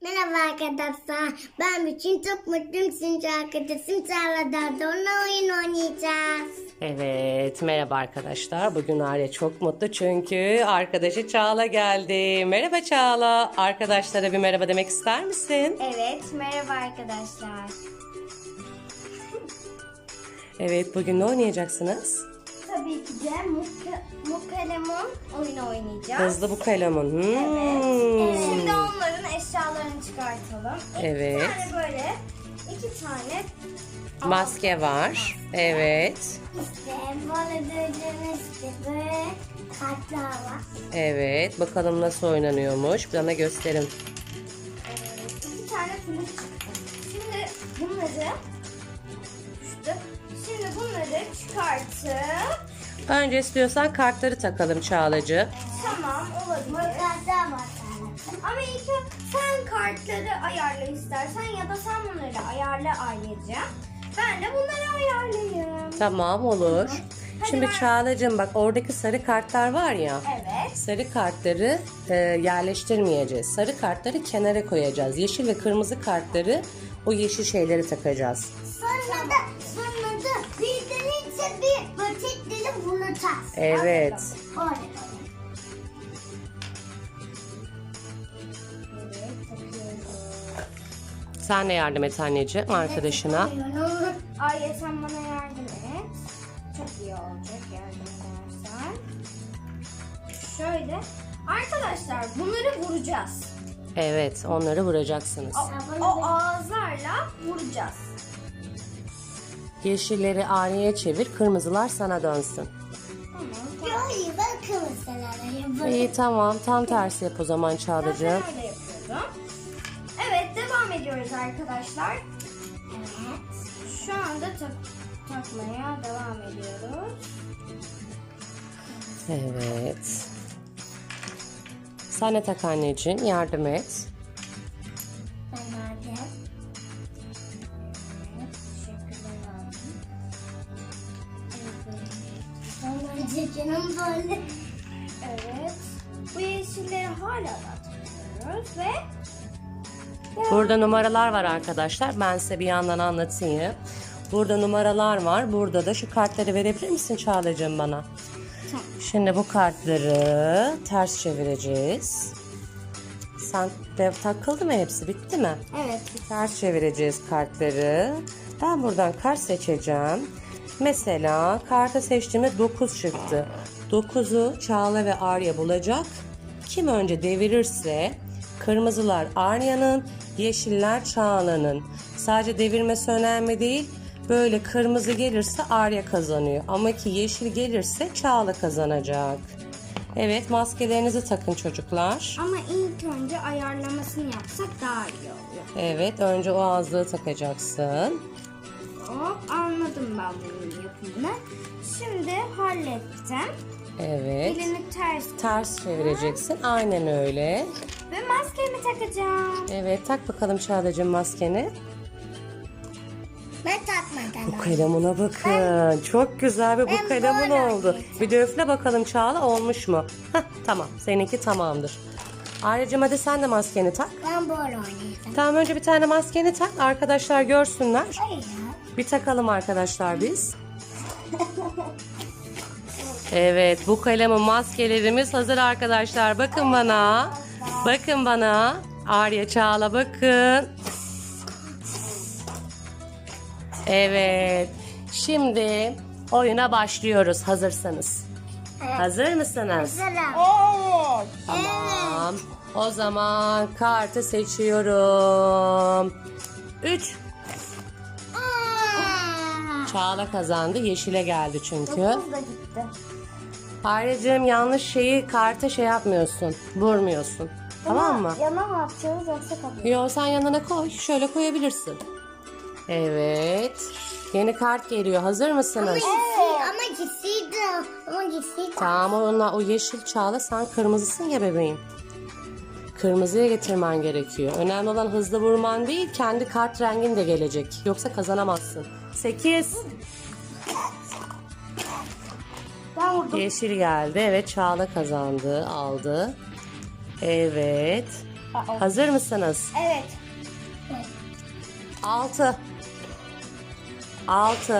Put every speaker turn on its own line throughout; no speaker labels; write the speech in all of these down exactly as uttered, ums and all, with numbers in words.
Merhaba arkadaşlar. Ben için çok mutluyum. Çünkü arkadaşım Çağla'da onunla oyun oynayacağız.
Evet, merhaba arkadaşlar. Bugün Arya çok mutlu çünkü arkadaşı Çağla geldi. Merhaba Çağla. Arkadaşlara bir merhaba demek ister misin?
Evet, merhaba arkadaşlar.
Evet, bugün ne oynayacaksınız?
Tabii ki de Muka, Mukalemon oyunu oynayacağız.
Hızlı bu kalemun. Hmm.
Evet. Şimdi onların eşyalarını çıkartalım.
Evet.
İki tane böyle, iki tane
Maske var. Evet.
İşte böyle gördüğünüz gibi kartlar var.
Evet. Bakalım nasıl oynanıyormuş. Bana gösterin.
Evet, iki tane film çıktı. Şimdi bunları düştü. Şimdi bunları çıkartıp
Önce istiyorsan kartları takalım Çağlacı.
tamam olabilir. Kartlar var. Ama ilk önce sen kartları ayarla istersen ya da sen bunları ayarla Aileciğim. Ben de bunları ayarlayayım.
Tamam olur.
Hadi
Şimdi
ver.
Çağlacığım bak oradaki sarı kartlar var ya.
Evet.
Sarı kartları e, yerleştirmeyeceğiz. Sarı kartları kenara koyacağız. Yeşil ve kırmızı kartları o yeşil şeyleri takacağız.
Sonra da sonra da birdenizce bir böcekleri bulacağız.
Evet.
Orada. Evet, takıyoruz.
Sen de yardım et anneciğim arkadaşına.
Arya sen bana yardım et. Çok iyi olacak yardım edersen. Şöyle. Arkadaşlar bunları vuracağız.
Evet onları vuracaksınız.
O, o ağızlarla vuracağız.
Yeşilleri Arya'ya çevir, kırmızılar sana dönsün.
Tamam. Hayır ben kırmızıları
İyi tamam, tam tersi yap o zaman
Ben
Çağlacığım.
öyle yapıyordum. Evet devam ediyoruz arkadaşlar. Evet. Şu anda tak takmaya devam ediyoruz.
Evet. Sen de tak anneciğim, yardım et.
Ben verdim. Evet. Teşekkürler abi. Evet. Canım böyle. Evet. Bu yeşilleri hala da takıyoruz ve
Burada numaralar var arkadaşlar. Ben size bir yandan anlatayım. Burada numaralar var. Burada da şu kartları verebilir misin Çağlacığım bana?
Tamam.
Şimdi bu kartları ters çevireceğiz. Sen de takıldı mı hepsi? Bitti mi?
evet.
Ters çevireceğiz kartları. Ben buradan kart seçeceğim. Mesela kartı seçtiğimde dokuz çıktı. dokuzu Çağla ve Arya bulacak. Kim önce devirirse kırmızılar Arya'nın, yeşiller Çağla'nın. Sadece devirmesi önemli değil. Böyle kırmızı gelirse Arya kazanıyor. Ama ki yeşil gelirse Çağla kazanacak. Evet, maskelerinizi takın çocuklar.
Ama ilk önce ayarlamasını yapsak daha iyi oluyor.
Evet, önce o ağızlığı takacaksın.
Hop anladım ben bunun yapımını. Şimdi hallettim.
Evet.
Elini ters
Ters çevireceksin. Aynen öyle.
ve maskemi takacağım.
Evet, tak bakalım Çağlacığım maskeni.
Ben takmadan.
Bu kalemuna bakın. Çok güzel bir bu
Ben
kalemun
böyle
oldu.
oynayacağım.
Bir de üfle bakalım Çağla, olmuş mu? Heh, tamam, seninki tamamdır. Ayrıca hadi sen de maskeni tak.
Ben böyle oynayacağım.
Tamam, önce bir tane maskeni tak. Arkadaşlar görsünler.
Hayır ya.
Bir takalım arkadaşlar biz. Evet, bu kalemin maskelerimiz hazır arkadaşlar. Bakın bana. Bakın bana. Arya, Çağla bakın. Evet. Şimdi oyuna başlıyoruz hazırsanız. Hazır mısınız?
Evet.
Tamam. O zaman kartı seçiyorum. üç. Çağla kazandı. Yeşile geldi çünkü.
Dokuz da gitti.
Ayrıcığım yanlış şeyi karta şey yapmıyorsun. Vurmuyorsun. Tamam mı?
Yana mı atacağız yoksa kapıyı?
Yo, sen yanına koy. Şöyle koyabilirsin. Evet. Yeni kart geliyor. Hazır mısınız?
Evet. Ama gitseydi. Ama gitseydi.
Tamam, onunla o yeşil Çağla, sen kırmızısın ya bebeğim. Kırmızıya getirmen gerekiyor. Önemli olan hızlı vurman değil, kendi kart rengin de gelecek. Yoksa kazanamazsın. sekiz.
Ben vurdum.
Yeşil geldi. Evet, Çağla kazandı, aldı. Evet.
Aa,
Hazır mısınız?
Evet.
Altı. Altı.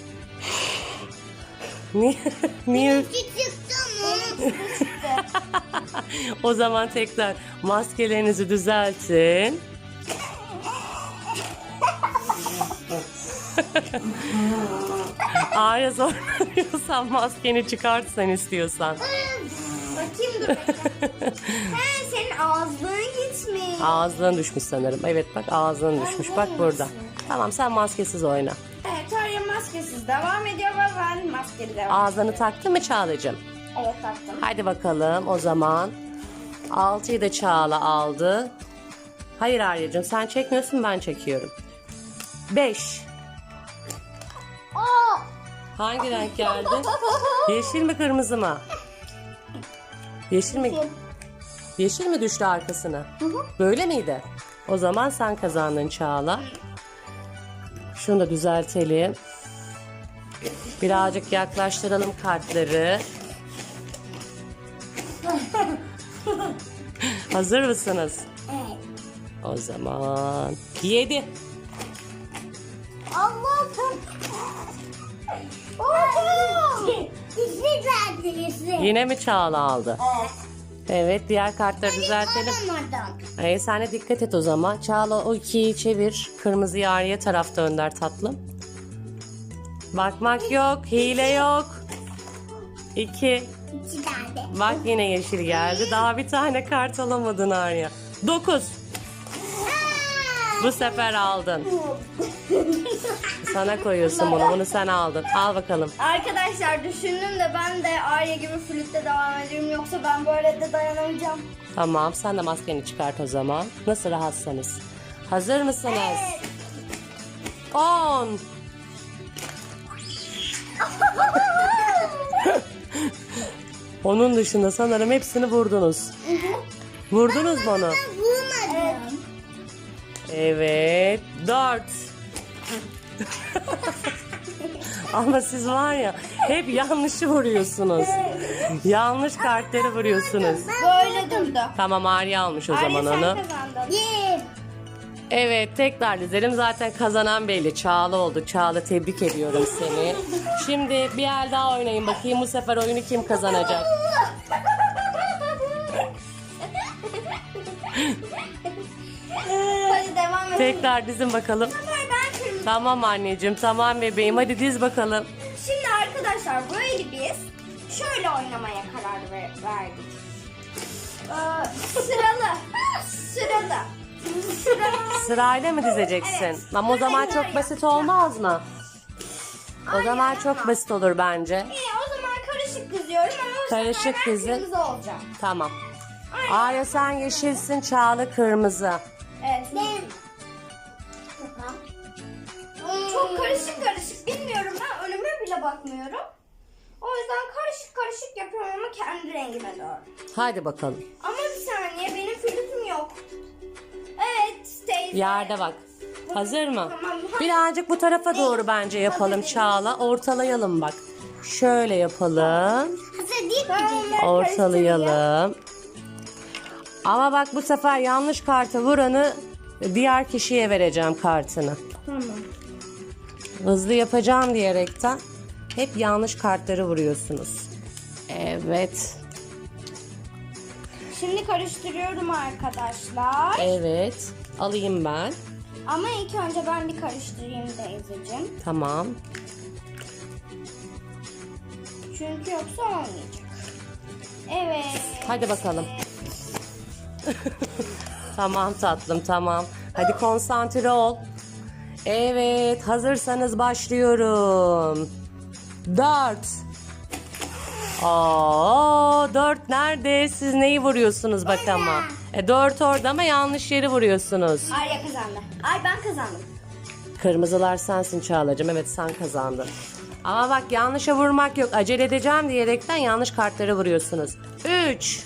Niye? Niye?
Benim çıktı.
O zaman tekrar maskelerinizi düzeltin. Arya zorlanıyorsan maskeni çıkart sen istiyorsan.
Bakayım dur bekle. He, senin ağzın gitmiş.
Ağzından düşmüş sanırım. Evet bak ağzından düşmüş. Bak burada. Tamam sen maskesiz oyna.
Evet, Arya maskesiz devam ediyor ve ben maskeli devam
Ağzını taktın mı Çağla'cığım?
Evet, taktım.
Hadi bakalım o zaman. altıyı da Çağla aldı. Hayır Arya'cığım sen çekmiyorsun ben çekiyorum. beş.
Aa!
Hangi renk geldi? Yeşil mi kırmızı mı? Yeşil mi? Yeşil mi düştü arkasına? Böyle miydi? O zaman sen kazandın Çağla. Şunu da düzeltelim. Birazcık yaklaştıralım kartları. Hazır mısınız?
Evet.
O zaman yedi.
Allah'ım. Oha! Dişli geldi dişli.
Yine mi Çağla aldı?
Evet.
Evet diğer kartları düzeltelim.
Alamadım.
Ee, sen de dikkat et o zaman. Çağla o ikiyi çevir. Kırmızı Arya tarafta önder tatlım. Bakmak yok. Hile yok. İki.
İki geldi.
Bak yine yeşil geldi. Daha bir tane kart alamadın Arya. Dokuz. Bu sefer aldın. Sana koyuyorsun bunu. Bunu sen aldın. Al bakalım.
Arkadaşlar düşündüm de ben de Arya gibi flütte devam ediyorum. Yoksa ben böyle de dayanamayacağım.
Tamam sen de maskeni çıkart o zaman. Nasıl rahatsanız. Hazır mısınız?
Evet.
On. Onun dışında sanırım hepsini vurdunuz. Vurdunuz mu onu?
Vurmadım.
Evet. Dört. Ama siz var ya hep yanlışı vuruyorsunuz. Yanlış kartları vuruyorsunuz.
Böyle durdu.
Tamam Arya almış o
Arya
zaman
sen
onu.
kazandın. Yeah.
Evet tekrar dizelim. Zaten kazanan belli. Çağla oldu. Çağla tebrik ediyorum seni. Şimdi bir el daha oynayın bakayım. Bu sefer oyunu kim kazanacak?
Hadi devam edelim.
Tekrar dizin bakalım.
Hayır, ben kırmızı.
Tamam anneciğim tamam bebeğim. Hadi diz bakalım.
Şimdi arkadaşlar böyle biz şöyle oynamaya karar ver- verdik. Ee, sıralı. Sıralı. Sıralı.
Sırayla mı dizeceksin?
Evet.
Ama o zaman
Hayır,
çok
hayır.
basit olmaz mı? O
Hayır,
zaman
ama.
çok basit olur bence.
İyi, o zaman karışık diziyorum ama bu
Karışık
sefer ben
dizin.
kırmızı olacağım.
Tamam.
Aynen.
Arya sen yeşilsin, Çağla kırmızı.
Evet. Ben. Çok karışık karışık bilmiyorum, ben önüme bile bakmıyorum. O yüzden karışık karışık yapıyorum ama kendi rengime doğru.
Hadi bakalım.
Ama bir saniye, benim flütüm yok. Evet teyze.
Yerde bak. Hazır mı?
Tamam, hadi.
Birazcık bu tarafa doğru bence yapalım Çağla. Ortalayalım bak. Şöyle yapalım.
Hazır değil mi?
Ortalayalım. Ama bak bu sefer yanlış kartı vuranı diğer kişiye vereceğim kartını.
Tamam.
Hızlı yapacağım diyerekten hep yanlış kartları vuruyorsunuz. Evet.
Şimdi karıştırıyorum arkadaşlar.
Evet. Alayım ben.
Ama ilk önce ben bir karıştırayım teyzeciğim.
Tamam.
Çünkü yoksa olmayacak. Evet.
Hadi bakalım. Tamam tatlım tamam. Hadi konsantre ol. Evet hazırsanız başlıyorum. Dört. Aa, dört nerede? Siz neyi vuruyorsunuz bak ama. E, dört orada ama yanlış yeri vuruyorsunuz.
Arya kazandı. Ay, ben kazandım.
Kırmızılar sensin Çağla'cığım. Evet sen kazandın. Ama bak yanlışa vurmak yok. Acele edeceğim diyerekten yanlış kartları vuruyorsunuz. Üç.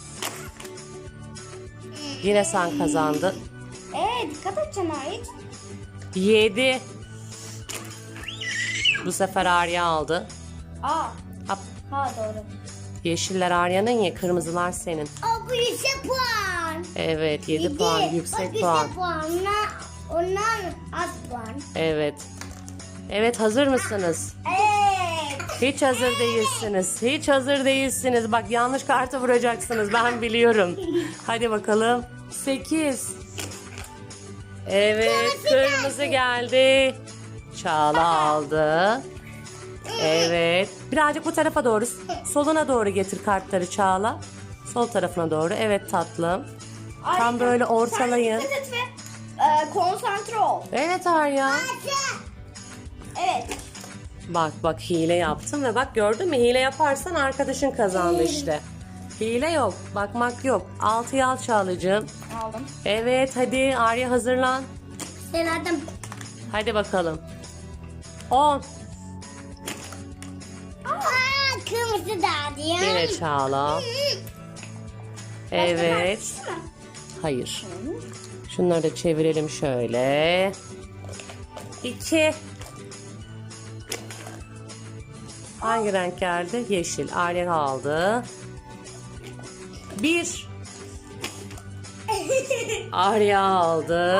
Yine sen kazandın.
Ee, dikkat et Cenahit.
Yedi. Bu sefer Arya aldı.
Aa.
Hop.
Ha doğru.
Yeşiller Arya'nın ya, kırmızılar senin.
O bu yüksek puan.
Evet, yedi puan, yüksek
o
puan.
yüksek puan. Onlar, onlar az puan.
Evet. Evet, hazır mısınız?
Evet.
Hiç hazır değilsiniz. Hiç hazır değilsiniz. Bak, yanlış kartı vuracaksınız. Ben biliyorum. Hadi bakalım. sekiz. Evet, kırmızı geldi. Çağla aldı. Evet. Birazcık bu tarafa doğru. Soluna doğru getir kartları Çağla. Sol tarafına doğru. Evet tatlım. Tam böyle ortalayın.
Sen dikkat et ve e, konsantre ol.
Evet Arya.
Evet.
Bak bak, hile yaptım ve bak, gördün mü, hile yaparsan arkadaşın kazandı işte. Hile yok, bakmak yok. Altıyı al Çağlacığım.
Aldım.
Evet, hadi Arya hazırlan.
Selahattin.
Hadi bakalım. on.
Aa, kırmızı da diyor.
Yine Çağla. Evet. Hayır. Şunları da çevirelim şöyle. iki. Hangi renk geldi? Yeşil. Arya aldı. bir. Arya aldı.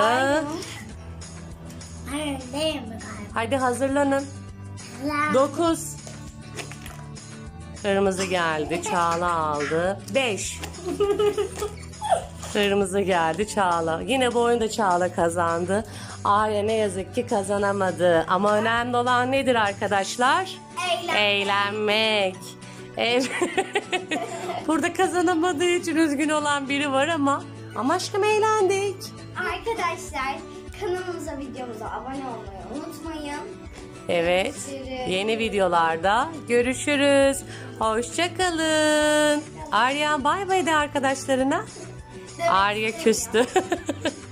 Hayır değil mi galiba?
Hadi hazırlanın. dokuz. Kırmızı geldi. Çağla aldı. beş. Kırmızı geldi. Çağla. Yine bu oyunda Çağla kazandı. Arya ne yazık ki kazanamadı. Ama önemli olan nedir arkadaşlar?
Eğlen.
Eğlenmek. Evet. Burada kazanamadığı için üzgün olan biri var ama ama aşkım eğlendik.
Arkadaşlar kanalımıza, videomuza abone olmayı unutmayın.
Evet.
Görüşürüz.
Yeni videolarda görüşürüz. Hoşça kalın. Arya bay bay de arkadaşlarına. Arya küstü.